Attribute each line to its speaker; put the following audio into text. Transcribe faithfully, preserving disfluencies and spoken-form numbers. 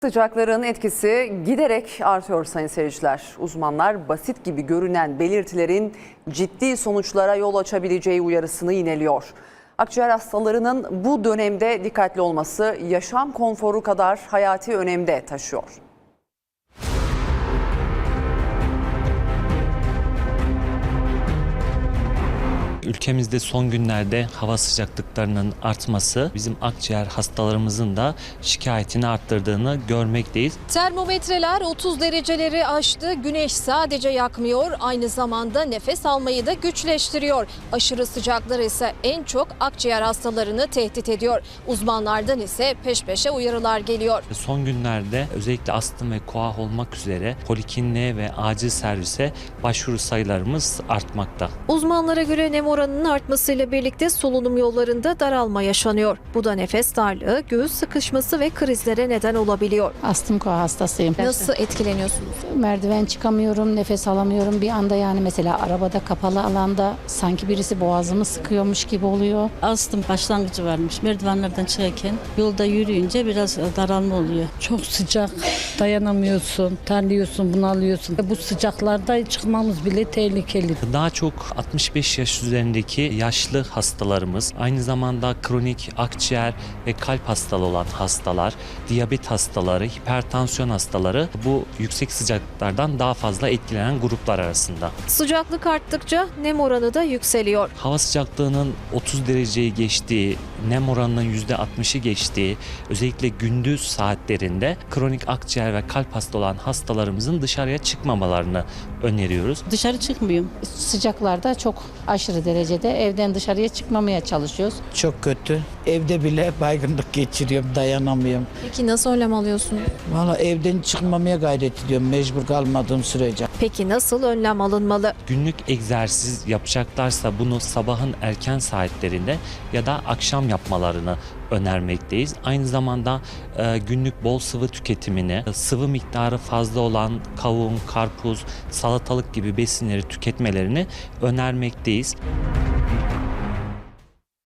Speaker 1: Sıcakların etkisi giderek artıyor sayın seyirciler. Uzmanlar basit gibi görünen belirtilerin ciddi sonuçlara yol açabileceği uyarısını yineliyor. Akciğer hastalarının bu dönemde dikkatli olması yaşam konforu kadar hayati önemde taşıyor.
Speaker 2: Ülkemizde son günlerde hava sıcaklıklarının artması bizim akciğer hastalarımızın da şikayetini arttırdığını görmekteyiz.
Speaker 3: Termometreler otuz dereceleri aştı. Güneş sadece yakmıyor, aynı zamanda nefes almayı da güçleştiriyor. Aşırı sıcaklar ise en çok akciğer hastalarını tehdit ediyor. Uzmanlardan ise peş peşe uyarılar geliyor.
Speaker 2: Son günlerde özellikle astım ve koah olmak üzere polikliniğe ve acil servise başvuru sayılarımız artmakta.
Speaker 3: Uzmanlara göre nem oranının artmasıyla birlikte solunum yollarında daralma yaşanıyor. Bu da nefes darlığı, göğüs sıkışması ve krizlere neden olabiliyor.
Speaker 4: Astım koa hastasıyım.
Speaker 3: Nasıl etkileniyorsunuz?
Speaker 4: Merdiven çıkamıyorum, nefes alamıyorum. Bir anda yani mesela arabada kapalı alanda sanki birisi boğazımı sıkıyormuş gibi oluyor.
Speaker 5: Astım başlangıcı varmış. Merdivenlerden çıkarken yolda yürüyünce biraz daralma oluyor.
Speaker 6: Çok sıcak, dayanamıyorsun, terliyorsun, bunalıyorsun. Bu sıcaklarda çıkmamız bile tehlikeli.
Speaker 2: Daha çok altmış beş yaş üzerindeki yaşlı hastalarımız, aynı zamanda kronik akciğer ve kalp hastalığı olan hastalar, diyabet hastaları, hipertansiyon hastaları bu yüksek sıcaklıklardan daha fazla etkilenen gruplar arasında.
Speaker 3: Sıcaklık arttıkça nem oranı da yükseliyor.
Speaker 2: Hava sıcaklığının otuz dereceyi geçtiği, nem oranının yüzde altmışı geçtiği, özellikle gündüz saatlerinde kronik akciğer ve kalp hasta olan hastalarımızın dışarıya çıkmamalarını öneriyoruz.
Speaker 5: Dışarı çıkmıyorum.
Speaker 4: Sıcaklarda çok aşırı derecede evden dışarıya çıkmamaya çalışıyoruz.
Speaker 7: Çok kötü. Evde bile baygınlık geçiriyorum, dayanamıyorum.
Speaker 3: Peki nasıl önlem alıyorsunuz?
Speaker 7: Valla evden çıkmamaya gayret ediyorum mecbur kalmadığım sürece.
Speaker 3: Peki nasıl önlem alınmalı?
Speaker 2: Günlük egzersiz yapacaklarsa bunu sabahın erken saatlerinde ya da akşam yapmalarını önermekteyiz. Aynı zamanda e, günlük bol sıvı tüketimini, sıvı miktarı fazla olan kavun, karpuz, salatalık gibi besinleri tüketmelerini önermekteyiz.